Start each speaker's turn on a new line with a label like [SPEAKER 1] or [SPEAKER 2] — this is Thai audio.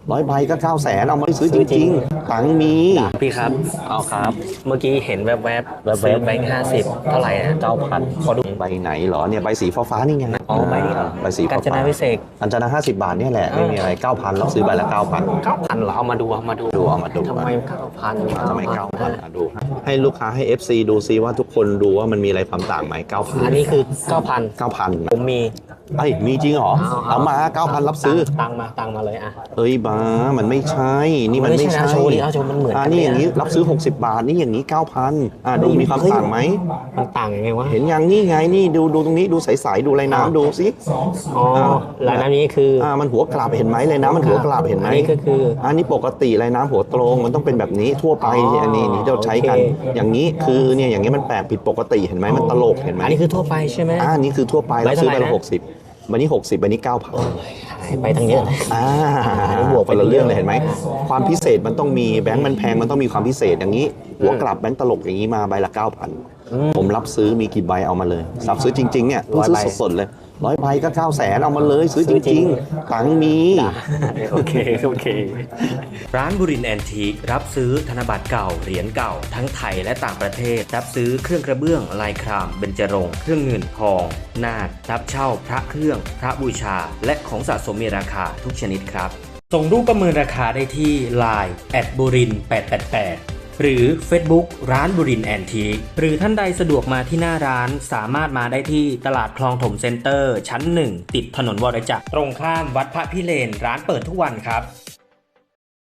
[SPEAKER 1] 100 ใบก็900,000เอามาซื้อจริงๆตังค์มี
[SPEAKER 2] พี่ครับเอาครับเมื่อกี้เห็นแวบๆซื้อแบงค์50เท่าไหร่นะ9,000ขอดู
[SPEAKER 1] ใบไหนเหรอเนี่ยใบสีฟ้านี่ไง
[SPEAKER 2] อ๋อใบนี้เหรอ
[SPEAKER 1] ใบสีฟ้าก
[SPEAKER 2] าญจนาพิเศษก
[SPEAKER 1] อัญจนา50 บาทเนี่ยแหละไม่มีอะไร 9,000รับซื้อใบละ 9,000
[SPEAKER 2] 9,000เหรอเอามาดู
[SPEAKER 1] เอามาดู
[SPEAKER 2] ทำไม9,000
[SPEAKER 1] ทำไม 9,000ดูให้ลูกค้าให้ FC ดูซิว่าทุกคนดูว่ามันมีอะไรความต่างไหม 9,000
[SPEAKER 2] อันนี้คือ9,000
[SPEAKER 1] 9,000
[SPEAKER 2] ผมมี
[SPEAKER 1] มีจริงเหรอเอามา 9,000 รับซื้อ
[SPEAKER 2] ตังมาเลยอ่ะ
[SPEAKER 1] เอ้ยบ้ามันไม่ใช่นี่มันไม่ใช่
[SPEAKER 2] โชว์ดิโชว์มันเหมือนกัน
[SPEAKER 1] นี่อย่างนี้รับซื้อ60 บาทนี่อย่างนี้ 9,000ดูมีความต่างไหม
[SPEAKER 2] มันต่างยังไงวะ
[SPEAKER 1] เห็นยังนี่ไงนี่ดูตรงนี้ดูใสๆดูลายน้ำดูสิ
[SPEAKER 2] ลายน้ำนี้คือ
[SPEAKER 1] มันหัวกลับเห็นไหมลายน้ำมันหัวกลับเห็นไหม
[SPEAKER 2] นี่ก็คือ
[SPEAKER 1] นี่ปกติลายน้ำหัวตรงมันต้องเป็นแบบนี้ทั่วไปอันนี้เราใช้กันอย่างนี้คือเนี่ยอย่างนี้มันแปลกผิดปกติเห็นไหมมันตลกเห็นไหม
[SPEAKER 2] อันนี้คือทั่วไปใช่ไหม
[SPEAKER 1] นี่คือทั่วไปแล้วซื้อไปละ60วันนี้60วันนี้ 9,000
[SPEAKER 2] ไปทั้งเยอะ
[SPEAKER 1] บวกไปละเรื่องเลยเห็นไหมความพิเศษมันต้องมีแบงค์มันแพงมันต้องมีความพิเศษอย่างนี้หัวกลับแบงค์ตลกอย่างนี้มาใบละ 9,000ผมรับซื้อมีกี่ใบเอามาเลยรับซื้อจริงๆเนี่ยซื้อสดๆเลย100 ใบก็900,000เอามาเลยซื้อจริงๆตังค์มี
[SPEAKER 2] โอเค
[SPEAKER 3] ร้านบุรินทร์แอนทีครับซื้อธนบัตรเก่าเหรียญเก่าทั้งไทยและต่างประเทศรับซื้อเครื่องกระเบื้องลายครามเบญจรงค์เครื่องเงินทองนาครับเช่าพระเครื่องพระบูชาและของสะสมมีราคาทุกชนิดครับส่งรูปประเมินราคาได้ที่ Line @burin888หรือ Facebook ร้านบุรินทร์แอนทีคหรือท่านใดสะดวกมาที่หน้าร้านสามารถมาได้ที่ตลาดคลองถมเซ็นเตอร์ชั้น1ติดถนนวรจักรตรงข้ามวัดพระพิเรนร้านเปิดทุกวันครับ